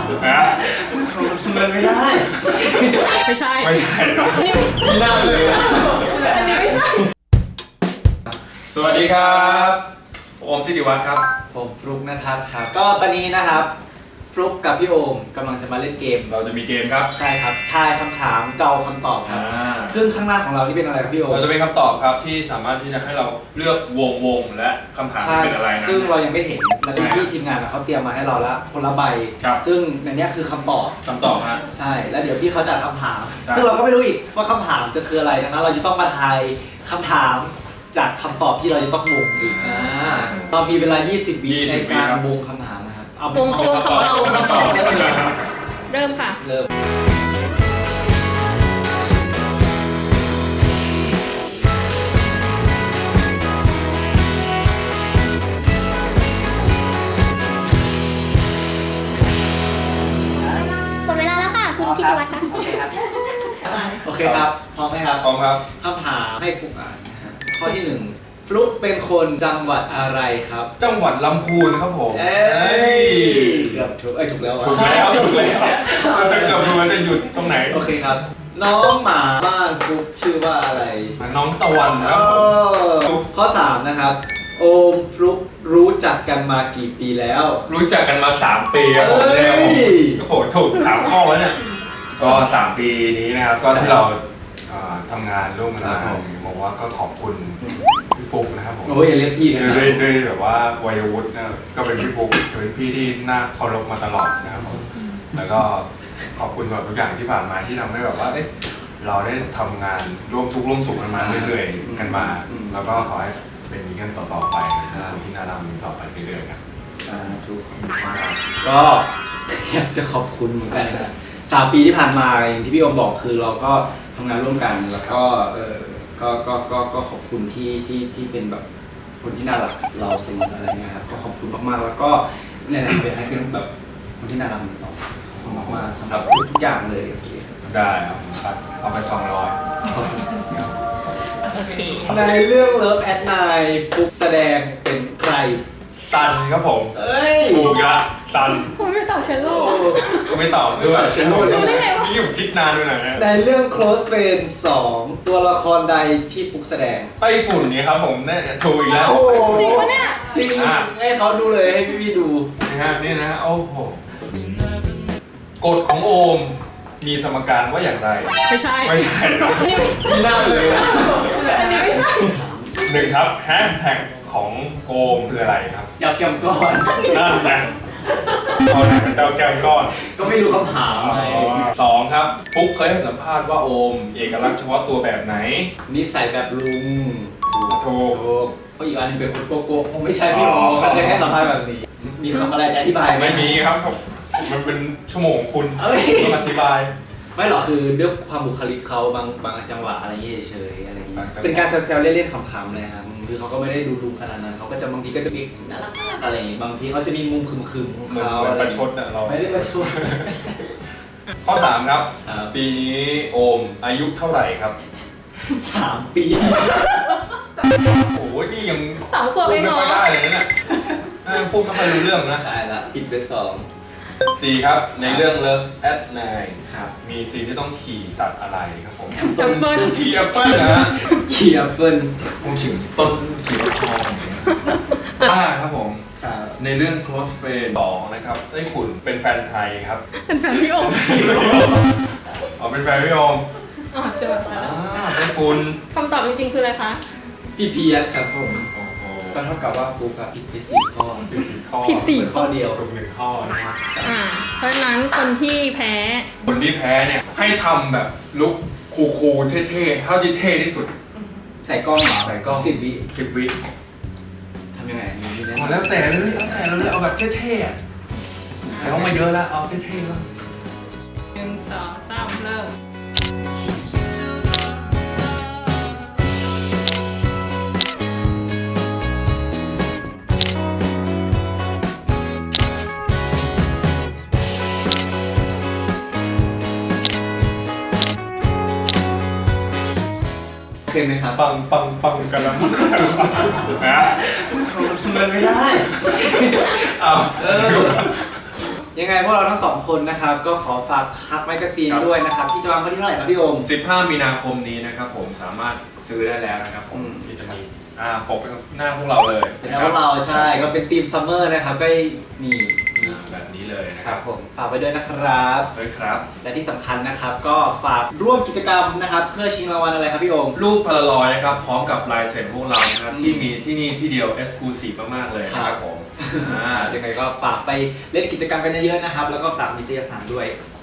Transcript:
นะมันไม่ได้ไม่ใช่ไม่ใช่ไม่น่าเลยอันนี้ไม่ใช่สวัสดีครับโอมธิติวัฒน์ครับผมฟลุ๊กณทัศน์ครับก็ตอนนี้นะครับฟลุ๊กกับพี่โอมกำลังจะมาเล่นเกมเราจะมีเกมครับใช่ครับทายคำถามเดาคำตอบครับซึ่งข้างหน้าของเรานี่เป็นอะไรครับพี่โอมเราจะเป็นคำตอบครับที่สามารถที่จะให้เราเลือกวงและคำถามเป็นอะไรนะซึ่งเรายังไม่เห็นและพี่ทีมงานเขาเตรียมมาให้เราแล้วคนละใบซึ่งในนี้คือคำตอบฮะใช่แล้วเดี๋ยวพี่เขาจะคำถามซึ่งเราก็ไม่รู้อีกว่าคำถามจะคืออะไรดังนั้นเราจะต้องมาทายคำถามจากคำตอบที่เราจะต้องวงอีกเรามีเวลา20 วิในการวงคำถามนะครับวงของเราเริ่มค่ะเริ่มหมดเวลาแล้วค่ะคุณธิติวัฒน์ค่ะโอเคครับพร้อมไหมครับพร้อมครับคำถามให้ฟลุ๊กอ่านนะฮะข้อที่ 1ฟลุ๊กเป็นคนจังหวัดอะไรครับจังหวัดลำพูนครับผมเกือบถูกถูกแล้วถูกแล้วมันจะเกือบถูกมันจะหยุดตรงไหนโอเคครับน้องหมาบ้านฟลุ๊กชื่อว่าอะไรน้องสวรรค์ครับข้อ 3นะครับโอมฟลุ๊กรู้จักกันมากี่ปีแล้วรู้จักกันมา3 ปีครับผมแล้วโอ้โหถูก3 ข้อแล้วเนี่ยก็3 ปีนี้นะครับก็ที่เราทำงานร่วมกันมาบอกว่าก็ขอบคุณพี่ฟุ๊กนะครับผมโอ้ยอย่าเรียกพี่นะด้วยแบบว่าวัยวุฒิก็เป็นพี่ฟุ๊กเป็นพี่ที่น่าเคารพมาตลอดนะครับผมแล้วก็ขอบคุณแบบทุกอย่างที่ผ่านมาที่ทำให้แบบว่าเราได้ทำงานร่วมทุกข์ร่วมสุขกันมาเรื่อยๆกันมาแล้วก็ขอให้เป็นอย่างนี้กันต่อๆไปคนที่น่ารักมีต่อไปเรื่อยๆครับทุกคนก็อยากจะขอบคุณเหมือนกันนะ3 ปีที่ผ่านมาอย่างที่พี่โอมบอกคือเราก็ทำงานร่วมกันแล้วก็ก็ขอบคุณที่เป็นแบบคนที่น่ารักเราเสมออะไรเงี้ยครับก็ขอบคุณมากๆแล้วก็เนี่ยเป็นให้เป็นแบบคนที่น่ารักต่อขอบคุณมากๆสำหรับทุกอย่างเลยโอเคได้ครับเอาไป200 โอเคในเรื่อง Love at Night ฟลุ๊กแสดงเป็นใครซันครับผมถูกละซันคุณไม่ตอบเชลโล่ไม่ตอบด้วยเชลโล่นี่ผมคิดนานไปหน่อยนะในเรื่อง Close Friends 2ตัวละครใดที่ฟลุ๊กแสดงไต้ฝุ่นนี่ครับผมเนี่ยถูกอีกแล้วจริงปะเนี่ยจริงให้เขาดูเลยให้พี่ดูนะฮะนี่นะโอ้โหกฎของโอมมีสมการว่าอย่างไรไม่ใช่อันนี้ไม่น่าเลยนะอันนี้ไม่ใช่ 1ครับแฮชแท็กของโอมคืออะไรครับเจ้าแก้มก้อนนั่นนะเอาไหนเป็นเจ้าแก้มก้อนก็ไม่รู้คำถามไง 2ครับฟุ๊กเคยให้สัมภาษณ์ว่าโอมเอกลักษณ์เฉพาะตัวแบบไหนนิสัยแบบลุงถูกเพราะอีกอันนึงเป็นคนโกโก้คงไม่ใช่พี่โอมก็จะให้สัมภาษณ์แบบนี้มีคำอะไรอธิบายไม่มีครับมันเป็นชั่วโมงคุณต้องอธิบายไม่หรอกคือด้วยความบุคลิกเขาบางจังหวะอะไรเงี้ยเฉยอะไรเงี้ยเป็นการแซวๆเล่นๆขำๆเลยครับคือเขาก็ไม่ได้ดูลุงขนาดนั้นเขาก็จะบางทีก็จะมีน่ารักอะไรอย่างงี้บางทีเขาจะมีมุมคึมๆของเขาเหมือนประชดนะเราไม่ได้ประชดข้อ 3ครับปีนี้โอมอายุเท่าไหร่ครับ 3 ปีโอ้ยนี่ยัง 3 ขวบเองเหรอไม่ได้เลยนะเนี่ยพูดไม่ค่อยรู้เรื่องนะได้ละผิดไป 4ครับในเรื่อง Love at Night ครับมีซีนที่ต้องขี่สัตว์อะไรครับผมแอปเปิ้ลขี่แอปเปิ้ลนะขี่แอปเปิ้ลผมถึงต้นขี่ทอง5ครับผมในเรื่อง Close Friend 2นะครับไต้ฝุ่นเป็นแฟนใครครับเป็นแฟนพี่โอมเป็นแฟนพี่โอมเจอมาแล้วไต้ฝุ่นคำตอบจริงๆคืออะไรคะพี่เพียรครับผมก็เท่ากับว่าฟุ๊กผิดไป4 ข้อผิด4 ข้อเดียวถูก1 ข้อนะครับเพราะฉะนั้นคนที่แพ้เนี่ยให้ทำแบบลุคคูลๆเท่ๆเท่าที่เท่ที่สุดใส่กล้องใส่กล้อง10 วิทำยังไงแล้วแต่เราเอาแบบเท่ๆแล้วมาเยอะแล้วเอาเท่ๆแล้ว 1 2 3เริ่มเคยไหมครับปังกันแล้วนะมันไม่ได้ยังไงพวกเราทั้งสองคนนะครับก็ขอฝากฮักแมกกาซีนด้วยนะครับพี่จะวางไว้ที่เท่าไหร่ครับพี่โอม 15 มีนาคมนี้นะครับผมสามารถซื้อได้แล้วนะครับผมที่จะมีปกเป็นหน้าพวกเราเลยเป็นพวกเราใช่ก็เป็นทีมซัมเมอร์นะครับก็นี่แบบนี้เลยนะคครัรับบ ผมฝากไว้ด้วยนะครับด้วยครับและที่สำคัญนะครับก็ฝากร่วมกิจกรรมนะครับเพื่อชิงรางวัลอะไรครับพี่โอมรูปพลารอยด์นะครับพร้อมกับลายเซ็นพวกเรานะครับที่มีที่นี่ที่เดียว Exclusive มากๆเลยนะครับผมยังไงก็ฝากไปเล่นกิจกรรมกันเยอะๆนะครับแล้วก็ฝากนิตยสารด้วย